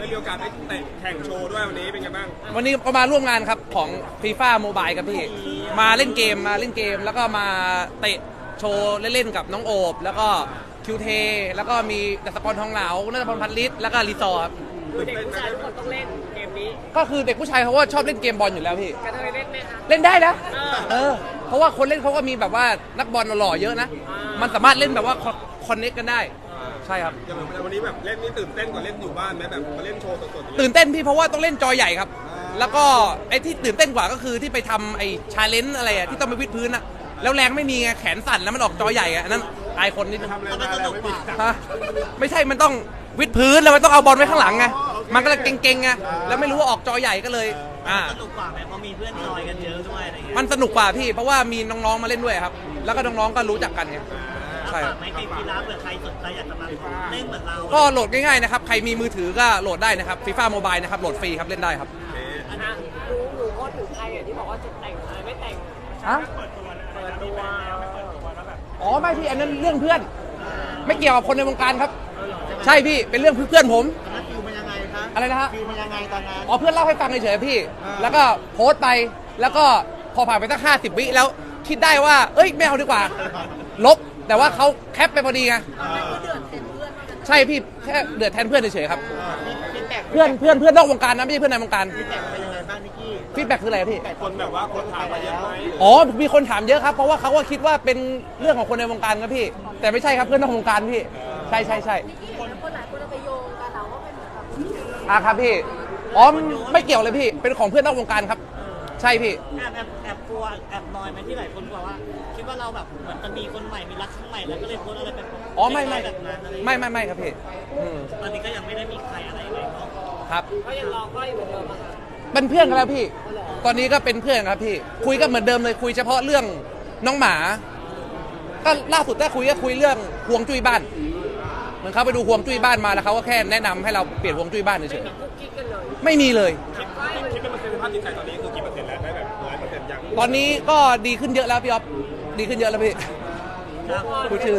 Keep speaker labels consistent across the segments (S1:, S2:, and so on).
S1: ได้มีโอกาสได้เตะแข่งโชว์ด้วยวันนี้เป็นไงบ้าง
S2: วันนี้ก็มาร่วมงานครับของ FIFA Mobile ครับพี่มาเล่นเกมแล้วก็มาเตะโชว์เล่นๆกับน้องโอบแล้วก็คิวเทแล้วก็มีดัชกรทองเหลาณัฐพลพันลิศแล้วก็รีซอร์ครับ
S3: เด็กผู้ชายทุกคนต้องเล่นเกมนี้
S2: ก็คือเด็กผู้ชายเขาก็ชอบเล่นเกมบอลอยู่แล้วพี่
S3: กระเทยเล่นไหมคะ
S2: เล่นได้นะเพราะว่าคนเล่นเขาก็มีแบบว่านักบอลหล่อเยอะนะมันสามารถเล่นแบบว่าคอนเนคกันได้ใช่ครับ
S1: อย่างวันนี้แบบเล่นนี่ตื่นเต้นกว่าเล่นอยู่บ้านไหมแบบมาเล่นโชว์สด
S2: ๆตื่นเต้นพี่เพราะว่าต้องเล่นจอใหญ่ครับแล้วก็ไอ้ที่ตื่นเต้นกว่าก็คือที่ไปทำไอ้ชาเลนจ์อะไรอะที่ต้องไปวิดพื้นอะแล้วแรงไม่มีไงแขนสั่นแล้วมันออกจอใหญ่อะนั้นอายคนนิดนึงไม่ใช่มันต้องวิดพื้นแล้วมันต้องเอาบอลไว้ข้างหลังไงมันก็เลยเก่งๆไงแล้วไม่รู้ว่าออกจอใหญ่ก็เลย
S4: สนุกกว่าไหมเพราะมีเพื่อนจอยกันเยอะด้วยอะไรเงี้ย
S2: มันสนุกกว่าพี่เพราะว่ามีน้องๆมาเล่นด้วยครับแล้วก็น้องๆก็รู้จักกันไง
S4: ใช่ไม่เกมกีฬาเผื่อใครสนใจอยากจะมาเล่นเหมือนเรา
S2: ก็โหลดง่ายๆนะครับใครมีมือถือก็โหลดได้นะครับ FIFA Mobile นะครับโหลดฟรีครับเล่นได้ครับ
S3: หนูก็ถึงใครที่บอกว่าจะแต่งอะไรไม่แต่งเปิดตัว
S2: อ๋อไม่พี่อันนั้นเรื่องเพื่อนไม่เกี่ยวกับคนในวงการครับใช่พี่เป็นเรื่องเพื่อนผม
S4: ฟิวมันยังไงคะ
S2: อะไรนะฮะ
S4: ฟิวมันยังไงตอนนั้น
S2: อ๋อเพื่อนเล่าให้ฟังเฉยๆพี่แล้วก็โพสต์ไปแล้วก็พอผ่านไปตั้ง50 วิแล้วคิดได้ว่าเอ้ยไม่เอาดีกว่าลบแต่ว่าเขาแคปไปพอดีไงใช่พี่แค่เดือดแทนเพื่อนเฉยๆครับเพื่อนนอกวงการนะไม่ใช่เพื่อนในวงการฟีดแบ็กคืออะไรพี่
S1: คนแบบว่าคนถามมาเยอะไหม
S2: อ๋อมีคนถามเยอะครับเพราะว่าเขาก็คิดว่าเป็นเรื่องของคนในวงการครับพี่แต่ไม่ใช่ครับเพื่อนนอกวงการพี่ใช่
S3: คนหลายคนไปโยงกันเราก็เป็นแบบ
S2: ครับพี่อ๋อไม่เกี่ยวเลยพี่เป็นของเพื่อนนอกวงการครับใช่พี่
S4: แอบกลัวแอบนอยไหมที่หลายคนกลัวว่าคิดว่าเราแบบเหมือนจะมีคนใหม่มีรักครั้งใหม่แล้วก็เลยโพสอะไรแบบ
S2: อ๋อไม่
S4: แบบนั้น
S2: ไม่ครับพี่
S4: ตอนนี้ก็ยังไม่ได้มีใครอะไรเลยเนาะ
S2: ครับ
S3: ก็ยังรอก็อยู่เหมือนเดิมอะ
S2: เป็นเพื่อนกันแล้วพี่ตอนนี้ก็เป็นเพื่อนครับพี่คุยกันเหมือนเดิมเลยคุยเฉพาะเรื่องน้องหมาก็ล่าสุดได้คุยเรื่องฮวงจุ้ยบ้านเหมือนเขาไปดูฮวงจุ้ยบ้านมาแล้วเขาก็แค่แนะนำให้เราเปลี่ยนฮวงจุ้ยบ้านเฉยๆไม่มีเลย
S1: คิดเป็นเปอร์เซ็นต์สภาพจิตใจตอนนี้คือกี่เปอร์เซ็นต์แล้วได้แบบ100%ยัง
S2: ตอนนี้ก็ดีขึ้นเยอะแล้วพี่อ๊อฟดีขึ้นเยอะแล้วพี่พูดชื่อ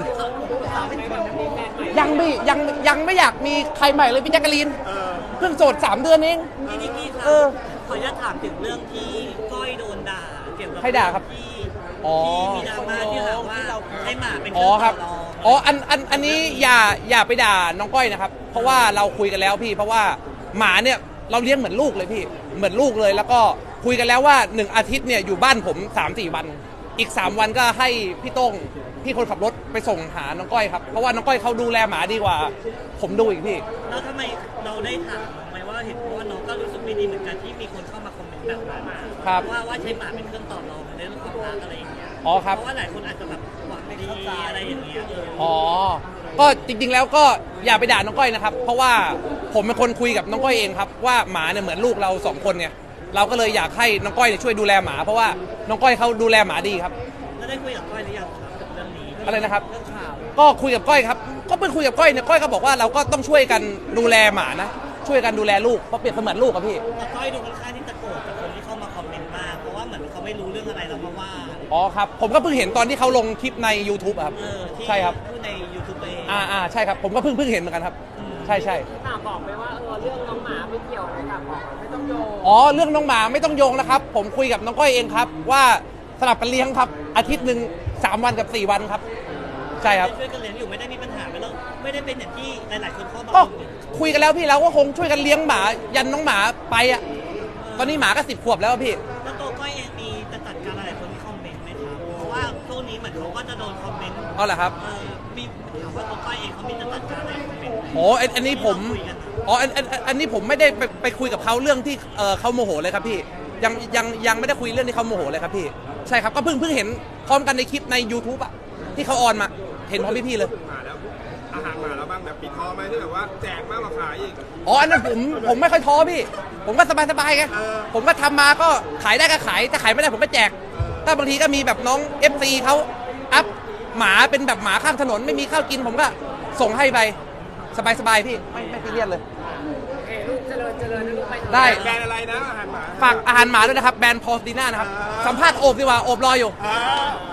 S2: ยังไม่อยากมีใครใหม่เลยพี่แจ๊กกะลีนเพิ่งโสด3 เดือนเอง
S4: พี่นิกกี้ครับขออนุญาตถามถึงเรื่องที่ก้อยโดนด่าเกี่ยวกับ
S2: ใครด่าครับ
S4: ที่มีดราม่าที่หาว่าให้หมาเป็นเครื่องต่อรอง
S2: อันนี้อย่าไปด่าน้องก้อยนะครับเพราะว่าเราคุยกันแล้วพี่เพราะว่าหมาเนี่ยเราเลี้ยงเหมือนลูกเลยพี่เหมือนลูกเลยแล้วก็คุยกันแล้วว่า1 อาทิตย์เนี่ยอยู่บ้านผม 3-4 วันอีก3 วันก็ให้พี่โต้งพี่คนขับรถไปส่งหาน้องก้อยครับเพราะว่าน้องก้อยเขาดูแลหมาดีกว่าผมดูอีกพี่
S4: แล้วทำไมเราได้ถามไหมว่าเห็นว่าน้องก็รู้สึกไม่ดีเหมือนกันที่มีคนเข้ามาคอมเมนต์แบบนั้นว่าใช้หมาเป็นเครื่องต่อรองในเรื่องความรักอะไรอย่างเงี้ย
S2: อ๋อครับ
S4: เพราะว่าหลายคนอาจจะแบบหวังดีอะไรอย่างเงี้ย
S2: ก็จริงๆแล้วก็อย่าไปด่าน้องก้อยนะครับเพราะว่าผมเป็นคนคุยกับน้องก้อยเองครับว่าหมาเนี่ยเหมือนลูกเรา2 คนไงเราก็เลยอยากให้น้องก้อยช่วยดูแลหมาเพราะว่าน้องก้อยเขาดูแลหมาดีครับ
S4: แล้วได้คุยกับก้อยหรือยังกับเรื่องนี้
S2: อะไรนะครับ
S4: เรื่องข่าว
S2: ก็คุยกับก้อยครับก็เพิ่งคุยกับก้อยเนี่ยก้อยก็บอกว่าเราก็ต้องช่วยกันดูแลหมานะช่วยกันดูแลลูกเพราะเปรียบเสมือนลูกครับพี่
S4: แต่ก้อยดูค่อนข้างที่จะโกรธกับคนที่เข้ามาคอมเมนต์มากเพราะว่าเหมือนเขาไม่รู้เรื่องอะไรแล้วมาว่า
S2: อ๋อครับผมก็เพิ่งเห็นตอนที่เขาลงคลิปใน YouTube ครับใช่ครับ
S4: ใน YouTube เอง
S2: ใช่ครับผมก็เพิ่งเห็นเหมือนกันครับใช่
S3: ถามบอกไปว่าเรื่องน้องหมาไม่เกี่ยวเลยค่ะบอกไม่ต้องโยง
S2: เรื่องน้องหมาไม่ต้องโยงนะครับผมคุยกับน้องก้อยเองครับว่าสลับกันเลี้ยงครับอาทิตย์หนึ่ง3 วันกับ4 วันครับใช่ครับ
S4: ช่วยกันเลี้ยงอยู่ไม่ได้มีปัญหาไม่ได้เป็นอย่างที่หลายๆคนเข้ามา
S2: ก็คุยกันแล้วพี่เราก็คงช่วยกันเลี้ยงหมายันน้องหมาไปอ่ะตอนนี้หมาก็10 ขวบแล้วพี่
S4: แล้วตัวก้อยเองมีจะจัดการอะไรคนที่คอมเมนต์ไหมครับเพราะว่าช่วงนี้เหมือนเขาก็จะโดนคอมเมนต์
S2: เหรอครับ
S4: มีถามว่าตัวก้อยเองเขามีจะจัดการอะไรคอมเมนต์
S2: อันนี้ผมอันนี้ผมไม่ได้ไปคุยกับเขาเรื่องที่เขาโมโหเลยครับพี่ยังไม่ได้คุยเรื่องที่เขาโมโหเลยครับพี่ใช่ครับก็เพิ่งเห็นพร้อมกันในคลิปใน YouTube อ่ะที่เขาออนมาเห็นพร้อมพี่ๆเลย
S1: มาแล้วอาหารมาแล้วบ้างแบบปิดท้อไหมที่แบบว่าแจกมากกว่าขายอีก
S2: อันนั้นผมไม่ค่อยท้อพี่ผมก็สบายไงผมก็ทำมาก็ขายได้ก็ขายถ้าขายไม่ได้ผมก็แจกถ้าบางทีก็มีแบบน้อง FC เขาอัพหมาเป็นแบบหมาข้างถนนไม่มีข้าวกินผมก็ส่งให้ไปสบายพี่ไม่ซีเรียสเลย
S3: ลูกเจริญนะลูกไป
S2: ได้
S1: แบรนด์อะไรนะอาหารหมา
S2: ฝากอาหารหมาด้วยนะครับแบรนด์พอสตีน่านะครับสัมภาษณ์โอบดีกว่าโอบรออยู่